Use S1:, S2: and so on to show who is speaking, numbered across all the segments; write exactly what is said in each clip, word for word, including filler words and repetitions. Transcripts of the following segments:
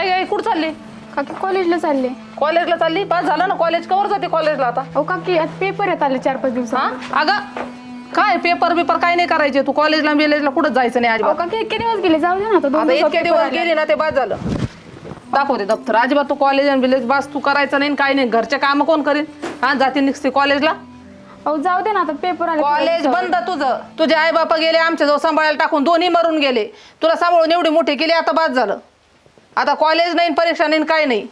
S1: आई आई कुठं चालली?
S2: काकी कॉलेजला चालले.
S1: कॉलेजला चालली? पास झालं ना कॉलेज, कवर जाते कॉलेजला आता?
S2: अहो काकी आता पेपर येत आले चार पाच
S1: हा
S2: दिवसात.
S1: अगं काय पेपर बिपर काय नाही करायचे तू, कॉलेजला बिलेजला कुठं जायचं नाही
S2: अहो
S1: अजिबात.
S2: काकी इतके दिवस गेले, जाऊ दे ना आता. दोन
S1: आता
S2: दिवसात
S1: इतके
S2: पेपर
S1: दिवस
S2: आले.
S1: गेले ना ते बाद झालं. दाखवते दप्तर. अजिबात तू कॉलेज आणि बिलेज बास तू करायचं नाही काय नाही. घरचे काम कोण करीन? हा जाते निघते कॉलेजला.
S2: अहो जाऊ दे ना आता पेपर आले.
S1: कॉलेज बंद तुझं. तुझे आई बापा गेले आमच्या जवळ सांभाळायला टाकून, दोन्ही मरून गेले. तुला सांभाळून एवढी मोठी केली, आता बाद झालं. आता कॉलेज नाही परीक्षा नाही काय नाही.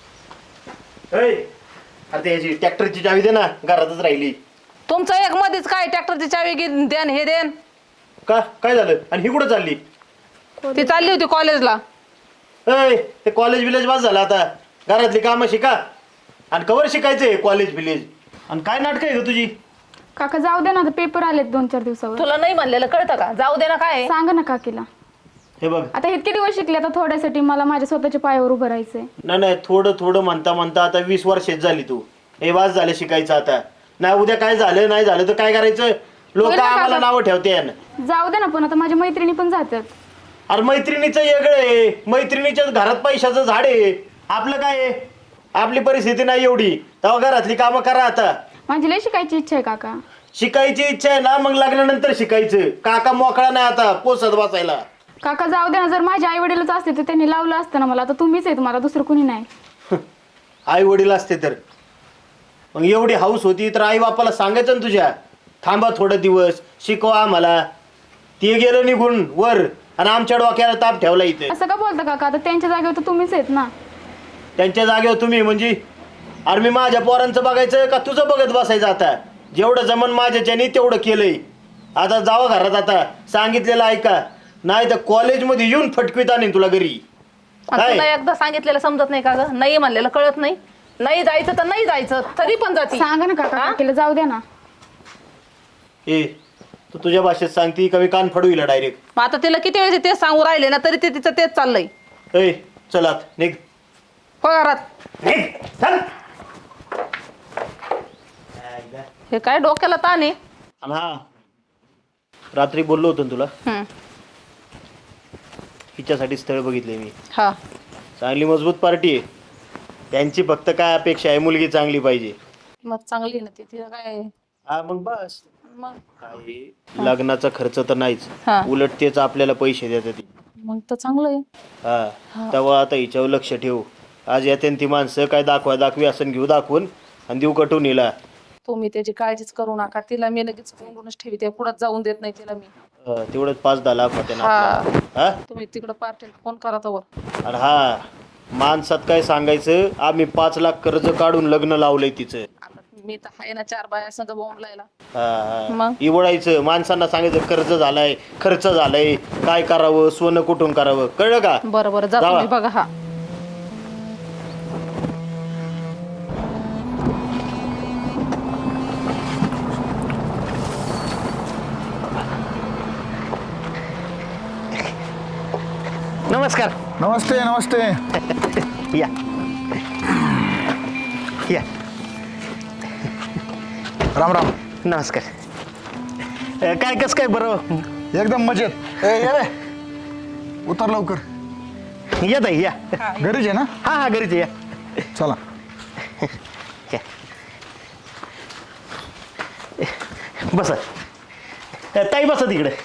S3: आता याची ट्रॅक्टरची चावी दे ना, घरातच राहिली.
S1: तुमचं एक मध्येच काय ट्रॅक्टरची चावी घे देन हे देन.
S3: का काय झालं? आणि ही कुठं चालली?
S1: ती चालली होती कॉलेजला.
S3: अय ते कॉलेज विलेज वाज झालं. आता घरातली कामं शिका आणि कवर शिकायचंय कॉलेज विलेज. आणि काय नाटक आहे ग तुझी?
S2: काका जाऊ दे ना आता पेपर आलेत दोन चार दिवसावर.
S1: तुला नाही म्हणलेलं कळतं का? जाऊ दे ना काय.
S2: सांगा ना काकीला.
S3: हे बघ
S2: आता इतके दिवस शिकले, आता थोड्यासाठी मला माझ्या स्वतःच्या पायावर उभं राहायचंय.
S3: नाही नाही थोडं थोडं म्हणता म्हणता आता वीस वर्षेच झाली तू. हे वाज झालं शिकायचं. आता नाही उद्या काय झालं नाही झालं तर काय करायचं? लोक
S2: होईल ना
S3: आम्हाला
S2: काका?
S3: नावं ठेवते.
S2: जाऊ दे ना, पण आता माझ्या मैत्रिणी पण जातात.
S3: अरे मैत्रिणीचं वेगळं आहे. मैत्रिणीच्या घरात पैशाचं झाड आहे. आपलं काय आहे? आपली परिस्थिती नाही एवढी, तेव्हा घरातली कामं करा. आता
S2: माझी लय शिकायची इच्छा आहे काका.
S3: शिकायची इच्छा आहे ना, मग लग्नानंतर शिकायचं. काका मोकळा नाही आता पोसत बसायला.
S2: काका जाऊ दे ना, जर माझे आई वडीलच असते तर त्यांनी लावलं असतं ना मला. आता तुम्हीच आहेत मला, दुसरं कुणी नाही.
S3: आई वडील असते तर मग एवढी हाऊस होती तर आई बापाला सांगायचं ना तुझ्या, थांबा थोडं दिवस शिकवा आम्हाला. ते गेलं निघून वर आणि आमच्या डोक्याला ताप ठेवला इथे.
S2: असं का बोलता काका? आता त्यांच्या जागेवर तर तुम्हीच आहेत ना.
S3: त्यांच्या जागेवर तुम्ही म्हणजे? अरे मी माझ्या पोरांचं बघायचं का तुझं बघत बसायचं? आता जेवढं जमन माझ्याच्यानी तेवढं केलंय. आता जावं घरात, आता सांगितलेलं ऐका, नाही तर कॉलेजमध्ये येऊन फटकवीत आणीन तुला घरी.
S1: आणि तुला एकदा सांगितलेलं समजत नाही का ग? नाही म्हणलेलं कळत नाही. नाही जायचं तर नाही जायचं, तरी पण जाती.
S2: सांगा ना काका काकीला, जाऊ द्या ना.
S3: ए तू तुझ्या भाषेत सांगती का मी कान फडविला डायरेक्ट?
S1: मग आता तिला किती वेळेस तेच सांगू राहिले ना, तरी ते तिचं तेच चाललंय.
S3: ए चलात निघ
S1: पगारात
S3: निघ चल.
S1: हे काय डोक्याला ताण आहे.
S3: आणि हा रात्री बोललो होतो ना तुला,
S1: हम्म.
S3: हिच्यासाठी स्थळ बघितले मी.
S1: हा
S3: चांगली मजबूत पार्टी आहे. त्यांची फक्त काय अपेक्षा आहे? मुलगी चांगली पाहिजे.
S1: मग चांगली ना ती. तिला काय
S3: हा मग बस.
S1: मग
S3: काय लग्नाचा खर्च तर नाहीच,
S1: हा.
S3: उलट तेच आपल्याला पैसे देतात ती.
S1: मग तर चांगलं आहे.
S3: हा तेव्हा आता हिच्यावर लक्ष ठेवू. आज येते ती माणसं काय दाखवा दाखवी असं घेऊ दाखवून आणि देऊ कटून हिला.
S1: तुम्ही त्याची काळजीच करू नका. तिला मी लगेच कोंडूनच ठेवी, ते कुठं जाऊन देत नाही तिला मी.
S3: हा, तेवढंच पाच दहा लाख होते ना
S1: हा.
S3: आपल्याला. हा
S1: तुम्ही तिकडं पार्टीला फोन करा तवर.
S3: आणि हा माणसात काय सांगायचं, आम्ही पाच लाख कर्ज काढून लग्न लावलंय तिचं.
S1: आता मी तर आहे ना चार बाया संग बोंबलायला.
S3: हा
S1: मग?
S3: इवडायचं माणसांना, सांगायचं कर्ज झालाय खर्च झालाय काय करावं, सोनं कुठून करावं, कळलं का?
S1: बरं बरं जा
S3: जावा.
S1: तुम्ही बघा. हा
S3: नमस्कार.
S4: नमस्ते नमस्ते.
S3: या या
S4: राम राम.
S3: नमस्कार. अ, काय कस काय बरं?
S4: एकदम मजेत. ए ये रे, उतर लवकर.
S3: या ताई या.
S4: घरीच आहे ना?
S3: हा हा घरीच या.
S4: चला.
S3: या. बसा. अ, ताई बसा तिकडे.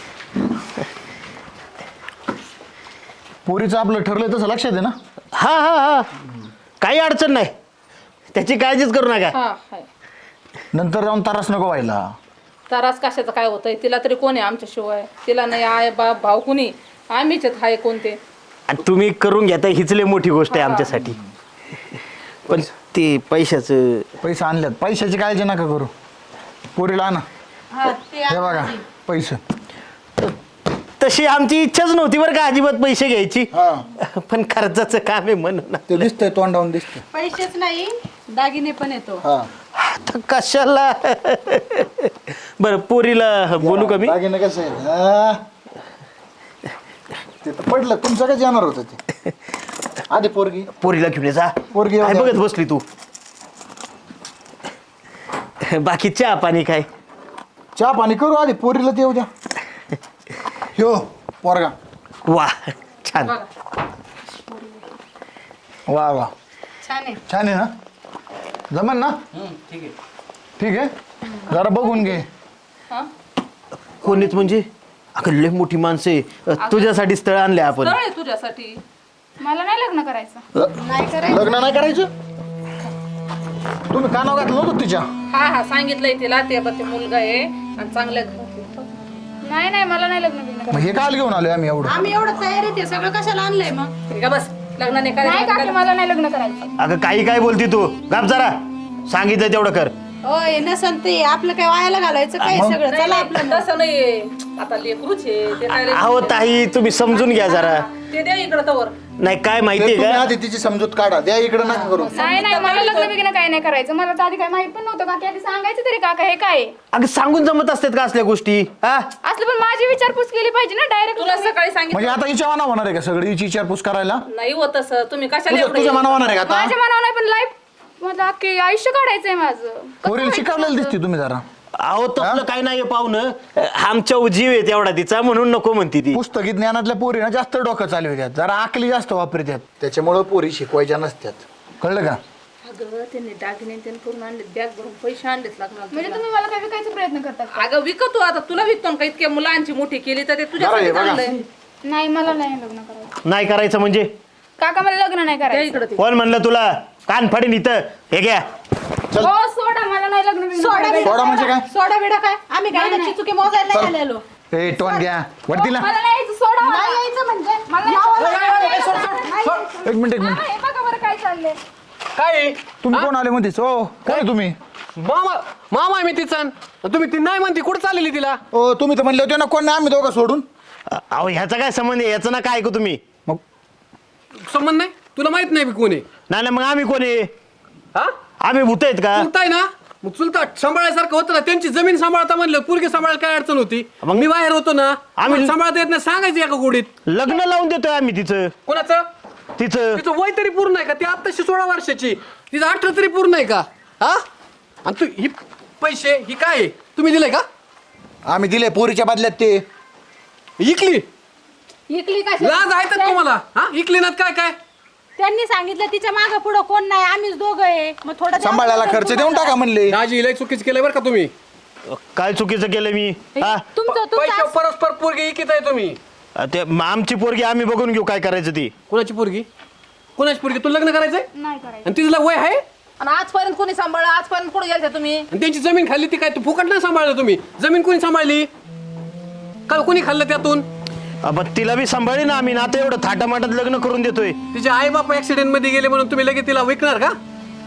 S4: पोरीचं आपलं ठरलंय तसं लक्षात आहे ना?
S3: हा हा हा काही अडचण नाही, त्याची काळजीच करू नका.
S1: हा हाय.
S4: नंतर जाऊन त्रास नको व्हायला.
S1: त्रास कशाचं काय होतंय? तिला तरी कोण आहे आमच्याशिवाय? तिला नाही आय बाप भाऊ कुणी, आम्हीच आहेत. हाय कोणते?
S3: आणि तुम्ही करून घेता हीच लय मोठी गोष्ट आहे आमच्यासाठी. पण ते पैशाचं.
S4: पैसे आणल्यात, पैशाची काळजी नका करू. पोरीला आणा. हे बघा पैसे.
S3: तशी आमची इच्छाच नव्हती बरं का अजिबात पैसे घ्यायची,
S4: हा
S3: पण खर्चाचं काम आहे म्हणून.
S4: ते दिसतंय तोंडावून दिसतंय.
S5: पैसेच नाही, दागिने पण येतो.
S4: हा
S3: आता कशाला? बरं पोरीला बोलू का मी?
S4: दागिने कसं आहे? हा. ते तर पडलं, तुमचं काय जाणार होतं ते. आधी पोरगी.
S3: पोरीला घेऊन ये जा.
S4: पोरगी
S3: काय
S4: येऊ द्या.
S3: बघत बसली तू? बाकी चहा पाणी काय?
S4: चहा पाणी करू, आधी पोरीला ते येऊ द्या. ह्यो पोरगा.
S3: वा छान.
S4: वा वा
S5: छान आहे.
S4: छान आहे ना जमन ना
S3: ठीक आहे.
S4: ठीक आहे जरा बघून घे.
S3: कोणीच म्हणजे अगं लय मोठी माणसं आहे. अ, तुझ्यासाठी स्थळ आणले आपण.
S1: स्थळ आहे तुझ्यासाठी.
S2: मला नाही लग्न करायचं.
S5: नाही करायचं.
S4: लग्न नाही करायचं तुम्ही कानाव घातलं नव्हतं तिच्या.
S1: हा हा सांगितलंय तिला ते बघ ते मुलगा आहे आणि चांगल्या घरातला.
S2: नाही नाही मला नाही लग्न बिग्न
S4: मग हे काल घेऊन आलोय आम्ही एवढं.
S5: आम्ही एवढं तयारी ते सगळं कशाला आणलंय मग?
S1: ठीक आहे बस लग्न नाही
S2: नाही काकी
S1: करायचं.
S2: मला नाही लग्न करायचं.
S3: अगं काही काय बोलती तू गाप जरा सांगितलं तेवढं कर.
S5: होय नसन ते आपलं काय वायाला घालायचं काय सगळं. चला आपलं मग.
S1: तसं नाही आता लेकरूच आहे ते काय
S3: अहो ताई तुम्ही समजून घ्या जरा.
S1: ते द्या इकडं तवर.
S3: नाही काय
S4: ते
S3: माहितीये
S4: तुम्ही
S3: का
S4: आधी तिची समजूत काढा द्या इकडे नका करू.
S2: नाही नाही मला लग्न बिग्न काही नाही करायचं. मला तर आधी काही माहित पण नव्हतं. काकी आधी सांगायचं तरी काका हे काय आहे?
S3: अगं सांगून जमत असतात का असल्या गोष्टी हा?
S2: असलं पण माझी विचारपूस केली पाहिजे ना डायरेक्ट.
S1: तुला सकाळी सांगितलं
S4: म्हणजे आता हिच्या मना होणार आहे का सगळी हिची विचारपूस करायला.
S1: नाही होत असं. तुम्ही कशाला
S4: तुझ्या
S1: एवढं
S4: तुझ्या
S1: हे-
S4: मना होणार आहे का आता.
S2: माझ्या मनावर नाही पण लाईफ मला अख्खे आयुष्य काढायचंय माझं. कसं
S4: पोरीला
S2: व्हायचं
S4: शिकवलेलं
S2: माझं?
S4: दिसते तुम्ही जरा.
S3: अहो तसलं काय नाही पाहुणं. आमच्या जीव आहे तेवढा तिचा म्हणून नको म्हणती ती.
S4: पुस्तकी ज्ञानातल्या पोरीना जास्त डोकं चालवितात जरा आकली जास्त वापरतात त्याच्यामुळे पोरी शिकवायच्या नसतात कळलं का.
S1: अगं त्यांनी दागिने त्यांनी करून आणले बॅग भरून पैसे आणलेत लागणार
S2: म्हणजे तुम्ही मला काय विकायचा प्रयत्न करतात का?
S1: अगं विकतो आता तुला विकतो ना का इतक्या मुलांची मोठी केली तर ते
S4: बरं
S1: तुझ्यासाठी
S4: आहे, बघा.
S1: चांगलंय.
S2: नाही मला नाही लग्न करायचं.
S3: नाही करायचं म्हणजे
S2: काका मला लग्न नाही
S1: द्या
S2: करायचं.
S1: इकडं ते.
S3: कोण म्हणलं तुला कान फाडीन इथं हे घ्या.
S2: हो सोडा मला नाही लग्न बिग्न
S5: सोडा
S2: करायचं.
S5: बिडा
S4: सोडा म्हणजे काय?
S5: सोडा बिडा काय आम्ही काय
S2: नाही, नाही.
S5: चुकी मोजायला नाही आलेलो.
S4: ए टोन घ्या वरतीला.
S2: मला नाही यायचं, सोडा मला.
S5: नाही यायचं म्हणजे
S2: मला नाही
S5: यावं
S2: यायचं.
S5: लागलं.
S2: नाही यायचं.
S4: एक मिनिट एक
S2: हा,
S4: मिनिट
S2: हे बघा बरं काय चाललंय.
S6: काय
S4: तुम्ही कोण आले म्हणतेस ओ कोण आहे तुम्ही.
S6: मामा मामा आहे मी तिचा तुम्ही ती नाही म्हणते कुठं चाललेली तिला
S4: ओ तुम्ही तर म्हणले होते ना कोण नाही आम्ही दोघं सोडून.
S3: अहो ह्याचा काय संबंध आहे याचं ना काय ऐकू तुम्ही.
S4: मग
S6: संबंध नाही तुला माहित नाही मी कोण आहे
S3: नाही नाही, मग आम्ही कोणी
S6: हा
S3: आम्ही भूत आहेत का.
S6: चुलताय ना मग चुलता सांभाळायसारखं होतं ना त्यांची जमीन सांभाळता म्हणलं पोरगी सांभाळायला काय अडचण होती
S3: मग?
S6: मी बाहेर होतो ना
S3: आम्ही-
S6: आम्ही सांभाळता येत नाही सांगायचं एका गोडीत
S3: लग्न लावून देतोय आम्ही तिचं
S6: कोणाचं
S3: तिचं.
S6: तिचं वय तरी पूर्ण आहे का ती आत्ताशी सोळा वर्षाची तिचं अठरा तरी पूर्ण आहे का हा आणि तू ही पैसे ही काय आहे? तुम्ही दिले का
S4: आम्ही दिले पोरीच्या बदल्यात ते.
S6: इकली
S5: इकली काय
S6: लाज आहे तर तुम्हाला हा इकली ना काय काय
S5: त्यांनी सांगितलं तिच्या मागं पुढं कोण नाही आम्हीच दोघं आहे मग थोडं द्या
S4: सांभाळायला
S5: मला
S4: खर्च
S5: तुम्हाला.
S4: देऊन टाका म्हणले.
S6: दाजी लय चुकीच केलंय बरं का तुम्ही
S3: काय चुकीचं केलं मी हा.
S5: तुमचं
S6: पैसे
S5: तुमचं
S6: परस्पर पोरगी इकित आहे तुम्ही
S3: ते म- आमची पोरगी आम्ही बघून घेऊ काय करायचं ती.
S6: कोणाची पोरगी कोणाची पोरगी तुला लग्न करायचंय
S2: नाही करायचं.
S6: आणि तिला वय आहे
S1: आणि आजपर्यंत कोणी सांभाळलं आजपर्यंत कुठे गेलते तुम्ही.
S6: आणि त्यांची जमीन खाल्ली ती काय तू फुकट नाही सांभाळलं तुम्ही जमीन कोणी सांभाळली का कोणी खाल्लं त्यातून
S3: अब तिला बी सांभाळी ना आम्ही ना आता एवढं थाटामाटात लग्न करून देतोय.
S6: तिचे आई बाप ऍक्सिडेंट मध्ये गेले म्हणून तुम्ही लगेच तिला विकणार का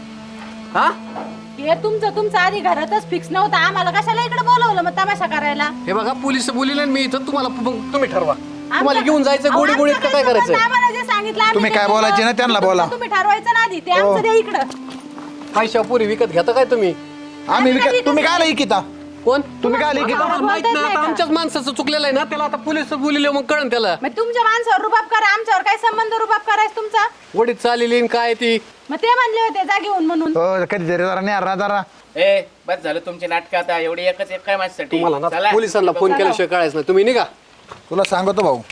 S6: हा
S5: हे तुमचं तुमचं आधी घरातच फिक्स नव्हतं आम्हाला कशाला इकडे बोलवलं मग तमाशा करायला.
S6: हे बघा पोलीस बोलिले मी इथं तुम्हाला मग तुम्ही ठरवा तुम्हाला
S5: आमचं-
S6: घेऊन जायचं
S5: अहो,
S6: गोडी गोडीत
S5: आमचं
S6: का काय
S5: काही
S6: करायचं
S5: संबंध आम्हाला जे सांगितलं आम्ही
S4: तुम्ही
S5: ते
S4: काय
S5: केलं.
S4: बोलायचे ना त्यांना
S5: तुमचं
S4: बोला.
S5: तुम्ही ठरवायचं ना आधी ते आमचं द्या इकडं.
S6: पैशा पोरी विकत घेता काय तुम्ही
S4: आम्ही विकत तुम्ही काय लिखिता
S6: कोण
S4: तुम्ही काय लिखिता.
S6: आम्हाला माहित
S5: बोलताच
S6: नाही
S5: नाही
S6: आता
S5: का?
S6: आमच्याच माणसाचं चुकलेलं आहे ना त्याला आता पोलीस बोलिले मग कळण त्याला
S5: मग तुमच्या माणसावर रुबाब करा आमच्यावर काय संबंध रुबाब करायचा तुमचा.
S6: गोडीत चाललेली आणि काय ती
S5: मग ते म्हणले होते जा घेऊन म्हणून.
S4: हो कधीतरी जरा नाही जरा.
S7: ए बस झालं तुमचे नाटक आता एवढी एकच एक काय माझ्यासाठी
S6: तुम्हाला ना
S7: चला.
S6: पोलिसांना फोन केल्याशिवाय कळायचं नाही तुम्ही निघा
S4: तुला सांगतो भाऊ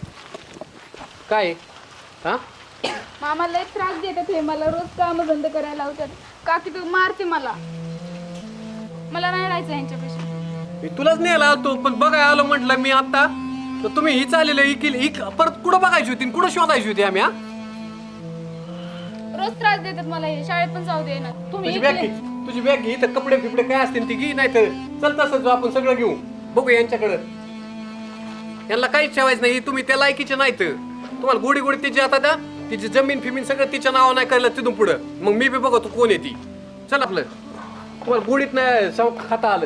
S6: काय आहे? हा
S2: मामा लय त्रास देतात हे मला रोज काम बंद करायला लावतात. काकी तू मारते मला मला नाही राहायचं यांच्यापेक्षा.
S6: मी तुलाच न्यायला आलतो पण बघाय आलो म्हटलं मी आता तर तुम्ही ही चाललेलं इकील इक परत कुठं बघायची होती आणि कुठं शोधायची होती आम्ही हा
S2: रोज त्रास देतात मला हे शाळेत पण जाऊ दे ना. तुम्ही
S6: तुझी बॅग घे तुझी बॅग घे इथं कपडे फिपडे काय असतील ती घे नाही तर चल तसंच आपण सगळं घेऊ बघू यांच्याकडं यांना काहीच ठेवायचं नाही तुम्ही त्या लायकीचे नाहीत तुम्हाला गोडी गोडी तिची आता द्या तिची जमीन फिमीन सगळं तिच्या नावावर नाही करायला तिथून पुढं मग मी बी बघतो कोण आहे ती चल आपलं तुम्हाला गोडीत नाही सव खाता आलं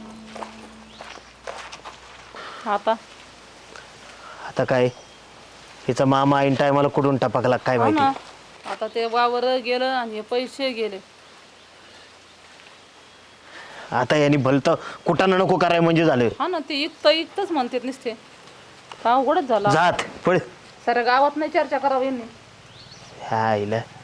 S1: आता
S3: आता काय हिचा मामा ऐन टायमाला कुठून टपकला काय
S1: हो
S3: माहिती.
S1: ना. आता ते वावर गेलं आणि हे पैसे गेले.
S3: आता यांनी भलतं कुठानं नको कराय म्हणजे झालं.
S1: हा ना ते इकत इकतच म्हणतात नुसते का अवघडच झाला.
S3: जात पळ
S1: साऱ्या गावात नाही चर्चा करावी यांनी.
S3: ह्या आईला